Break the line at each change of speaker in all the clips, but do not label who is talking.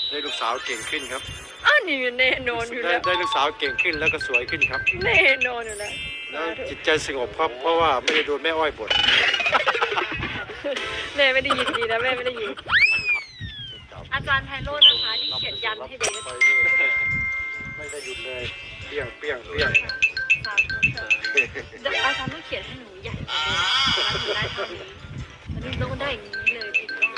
ได้ลูกสาวเก่งขึ้นครับ
อ้าวนี่แน่นอนอยู่แล้ว
ได้ลูกสาวเก่งขึ้นแล้วก็สวยขึ้นครับ
แน่นอนอยู่แล้ว
แล้วจิตใจสงบครับเพราะว่าไม่ได้โดนแม่อ้อยบ่น
แม่ไม่ได้ยินดีนะแม่ไม่ได้ยินอาจารย์ไพโรจน์นะคะที่เขียนยันให้เบส
ไม่ได้หยุดเลยเปี้ยงเปี้ยงเปี้ยง
อาจารย์ต้องเขียนให้หนูใหญ่กว่าเดิมหนูได้เท่านี้อันนี้ต้องได้อย่างนี้เลยผิดรอบ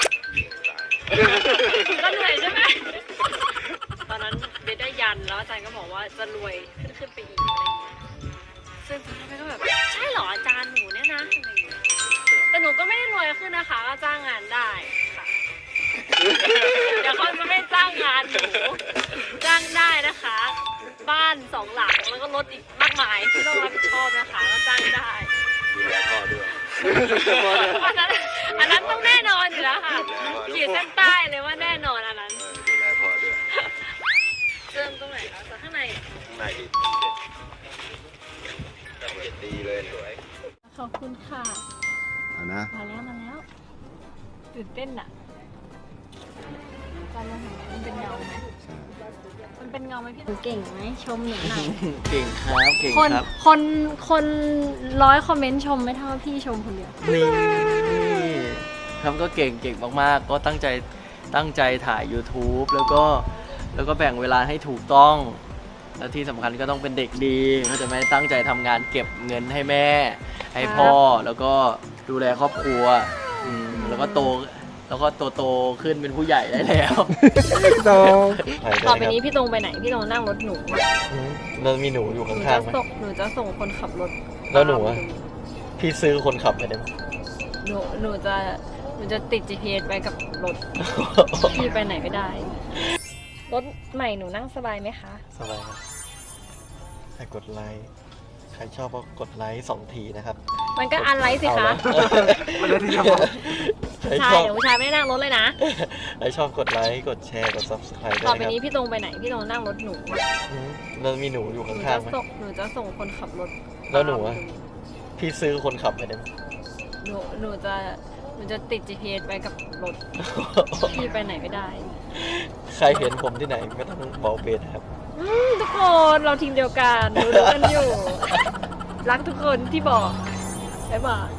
ก็เหนื่อยใช่ไหมตอนนั้นเบสได้ยันแล้วอาจารย์ก็บอกว่าจะรวยขึ้นไปอีกอะไรอย่างเงี้ยซึ่งเบสก็แบบใช่เหรออาจารย์หนูเนี่ยนะอะไรอย่างเงี้ยแต่หนูก็ไม่ได้รวยขึ้นนะคะก็จ้างงานได้ค่ะเดี๋ยวเขาจะไม่จ้างงานหนูจ้างได้นะคะ บ้าน2 หลังแล้วก็รถอีกมากมายที่ต้องรับผิดชอบนะคะก็จ้างได้
ดูแลพ่อด้วย
อันนั้นต้องแน่นอนอยู่แล้วค่ะขีดเส้นใต้เลยว่าแน่นอนอันนั้น
ดูแลพ่อด้วย
เริ่มตรงไหนคะจากข้างใน
ข้างในดีเด็ดดีเลยสวย
ขอบคุณค่ะ
เอานะ
มาแล้วตื่นเต้นอะการมองเห็นมันเป็นเงาไหมมันเป็นเงาไหมพี่เก่งไหมชมหนูหน่อย
เก่งครับเก่ง
คน
ครับ
คน100 คอมเมนต์ชมไม่เท่าพี่ชมคนเดียว
นี่ครับก็เก่งมากๆก็ตั้งใจถ่าย YouTube แล้วก็แบ่งเวลาให้ถูกต้อง และที่สำคัญก็ต้องเป็นเด็กดีเขาใจะไม่ตั้งใจทำงานเก็บเงินให้แม่ ให้พ่อแล้วก็ดูแลครอบครัวแล้วก็โตขึ้นเป็นผู้ใหญ่ได้แล้ว
โต
ต่อไปนี้พี่ตรงไปไหนพี่ตรงนั่งรถหนู
แล้วมีหนูอยู่
หนู
ข้า
จะ
งๆไหม
ส่งคนขับรถ
แล้วหนูอะ พี่ซื้อคนขับไปได้ไหม
หนูจะติด GPS ไว้กับรถ พี่ไปไหนไม่ได้ รถใหม่หนูนั่งสบายไหมคะ
สบายครับใครกดไลค์ใครชอบก็กดไลค์2 ทีนะครับ
มันก็อันไลท์สิคะ
ใคร
ใช่
ชอบ
เดี๋ยวผู้ชายไม่ได้นั่งรถเลยนะ
ใครชอบกดไลค์กดแชร์กด subscribe ด้
ต่อ
วย
ไป
นะค
นี้
รับ
พี่ตรงไปไหนพี่ตรงนั่งรถหนู
แล้วมีหนูอยู่
หนู
ข้า
จะ
งๆไหม
ส่งคนขับรถ
แล้วหนูอะ พี่ซื้อคนขับไปได้ไหม
หนูจะติด GPS ไว้กับรถ พี่ไปไหนไม่ได้
ใครเห็นผมที่ไหนไม่ต้องบอกเบสนะครับ
ทุกคนเราทีมเดียวกันรู้กันอยู่ รักทุกคนที่บอกบ๊ายบาย